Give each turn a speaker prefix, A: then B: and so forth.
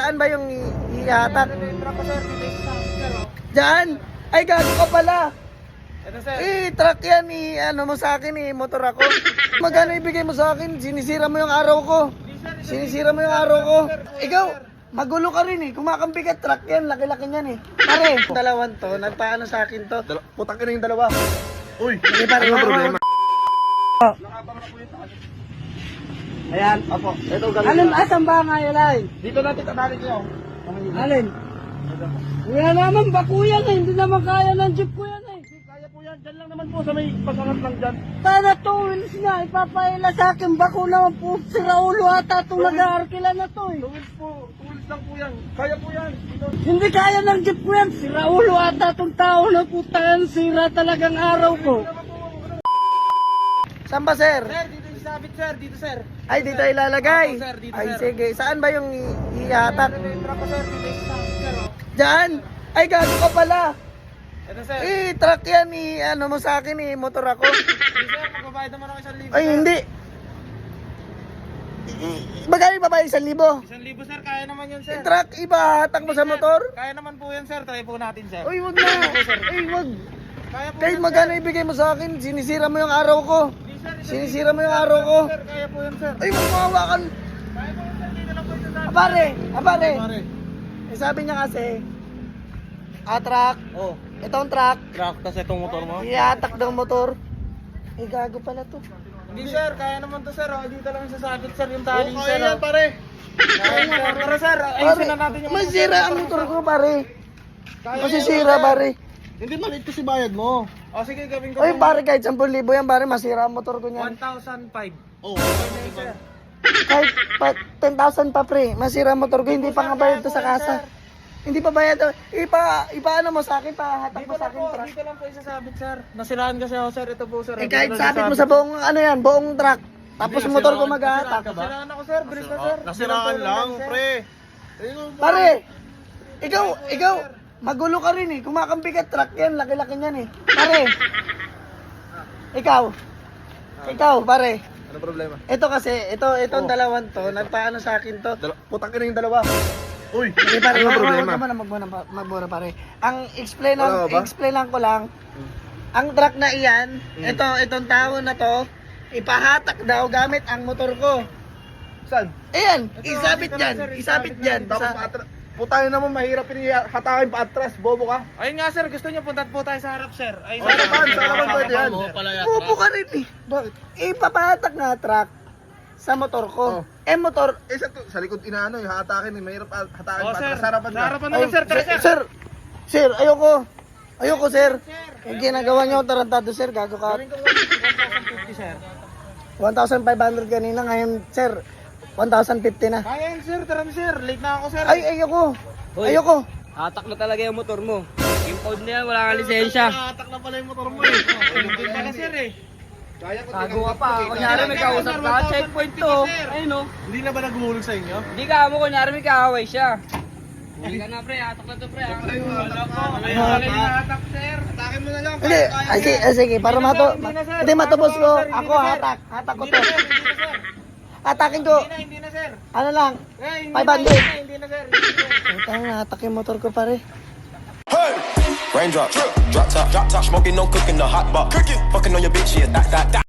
A: saan ba yung ihatak? Diyan? Ay, gago ka pala.
B: Ito sir.
A: Truck yan, ano mo sa akin, motor ako. Magkano ibigay mo sa akin? Sinisira mo yung araw ko. Sinisira mo yung araw ko. Ikaw, magulo ka rin kumakampi ka, truck yan, laki-laki niyan Pare, dalawang to, nagpaano sa akin to.
B: Putang ina yung dalawa. Uy,
A: Pare,
B: ano problema?
A: Ayan.
B: Apo, ito galing.
A: Alin, asan ba nga yun?
B: Dito natin tatarin niyo.
A: Alin? Kuya naman, bakuyan hindi naman kaya ng jeep ko yan
B: Kaya po yan, dyan lang naman po sa may pasangat lang dyan.
A: Sana 2 wheels na, ipapaila sa akin, bako naman po, si Raulo ata itong nag-aarkila na to
B: Tuwils po, tuwils lang po yan. Kaya po yan. Dito.
A: Hindi kaya ng jeep ko yan, si Raulo ata itong tao na puta yan, sira talagang araw ko. Saan ba, sir?
B: Sir, dito yung sabit sir, dito sir.
A: Ay, dito ilalagay.
B: Opo, sir, dito,
A: Ay,
B: sir.
A: sige. Saan ba yung ihatak?
B: Ito yung truck ko sir, dito yung sabit sir.
A: Diyan? Ay, gago ka pala.
B: Ito sir.
A: Truck yan, ano mo sa akin, motor ako.
B: Hindi sir, magbabayad naman ako 1,000.
A: Ay, hindi. Magkano babayad 1,000?
B: 1,000 sir, kaya naman yan sir.
A: Truck, ibahatak mo sa motor?
B: Kaya naman po yan sir, try po natin sir.
A: Uy, wag na. Ay, wag.
B: Kaya po
A: Kahit
B: yan,
A: magkano
B: sir.
A: ibigay mo sa akin, sinisira mo yung araw ko.
B: Hindi, sir,
A: Sinisira mo yung araw ko.
B: Sir, kaya po yan sir.
A: Ay, wag mo hawakan.
B: Kaya po yan sir, dito lang po yung sasabi.
A: Pare.
B: Pare.
A: Sabi niya kasi, truck.
B: Oh,
A: Itong truck.
B: truck, tas itong motor mo.
A: Ihatak ng motor. Gago pala to.
B: Hindi sir, kaya naman to sir. Oh, dito lang yung sasabit sir, yung tali sir.
A: kaya yan,
B: pare. Kaya sir, tara sir, ayusin na natin yung
A: masira ang motor ko, pare.
B: Kaya
A: Masisira, pare.
B: Hindi maliit kasi bayad mo. O sige, gawin ko.
A: Ay, pare, kahit 10,000 yan, pare, masira ang motor ko niyan.
B: 1,005.
A: Oh,
B: Okay, sir.
A: kahit 10,000 pa, pre, masira ang motor ko, hindi pa nga bayad to sa kasa. Hindi pa bayad to. Ipaano mo sa akin, pahatak mo
B: Dito
A: sa
B: lang
A: akin,
B: po,
A: truck.
B: dito lang po isasabit sir. Nasiraan kasi ako sir, ito po sir.
A: Kahit
B: Dito lang
A: sabit mo
B: isasabit.
A: sa buong, ano yan, buong truck. Tapos
B: Hindi,
A: motor ko
B: nasiraan-
A: mag-ahatak.
B: Nasiraan ako sir, bilis na sir.
C: Nasiraan lang,
B: sir.
C: pre.
A: Pare, ikaw, magulo ka rin kumakampi ka, truck yan, laki-laki niyan Pare, ikaw, pare.
C: Ano problema?
A: Ito kasi, itong dalawang to, nagpaano sa akin to.
C: Putang ina yung dalawa. Uy,
A: Hindi pare,
C: ano problema?
A: magmuna pare. Ang explain
C: Wala ba?
A: lang ko lang, ang truck na iyan, itong tao na to, ipahatak daw gamit ang motor ko.
C: Saan?
A: Ayan,
B: Ito,
A: isabit
B: dito lang,
A: dyan,
B: sir,
A: isabit
B: isabit
A: dyan.
C: Tapos putangin naman, mahirap hatakin pa atras. Bobo ka.
B: Ayun nga sir, gusto niyo punta po tayo sa harap sir. Ay,
C: Sa harapan, sa harapan pwede yan.
A: Pupo ka rin
C: Bakit?
A: Ipapahatak nga truck sa motor ko.
C: Oh.
A: Motor,
C: Sa likod inaano, yung hatakin, mahirap hatakin
B: Oh
C: pa
B: sir,
C: atras. Sa harapan
B: sa
C: ka.
B: harapan naman sir, tara sir.
A: Sir, ayoko sir. Yung ginagawa niyo tarantado sir, gago ka.
B: Gawin ko 1,050 sir.
A: 1,500 kanina, ngayon sir, 1,050 na.
B: Kaya yan sir, tara na sir. Late na ako sir.
A: Ay, ayoko.
D: Hatak na talaga yung motor mo. Impound na yan, wala kang lisensya.
C: Hatak na pala yung motor mo
B: Hindi pala sir eh.
C: Kaya ko
D: Tago ka pa. Kunyari may kausap ka, checkpoint to. Ayun o.
C: Hindi na ba nagmulog sa inyo?
D: Hindi ka mo, kunyari may kaaway siya. Hindi ka na pre, hatak na to pre.
B: Wala yung hatak sir.
C: Hatakin mo na lang.
A: Hindi, sige, para hindi matubos ko. Ako hatak ko
B: Hindi
A: to.
B: na sir, hindi na sir.
A: Hatakin ko.
B: Hindi na sir.
A: Ano lang?
B: Eh, hindi
A: 500.
B: na, hindi na sir.
A: Hatak yung motor ko pare.
E: Raindrop, drop top, smoking, no cooking, the hot box. Fucking on your bitch, yeah, that.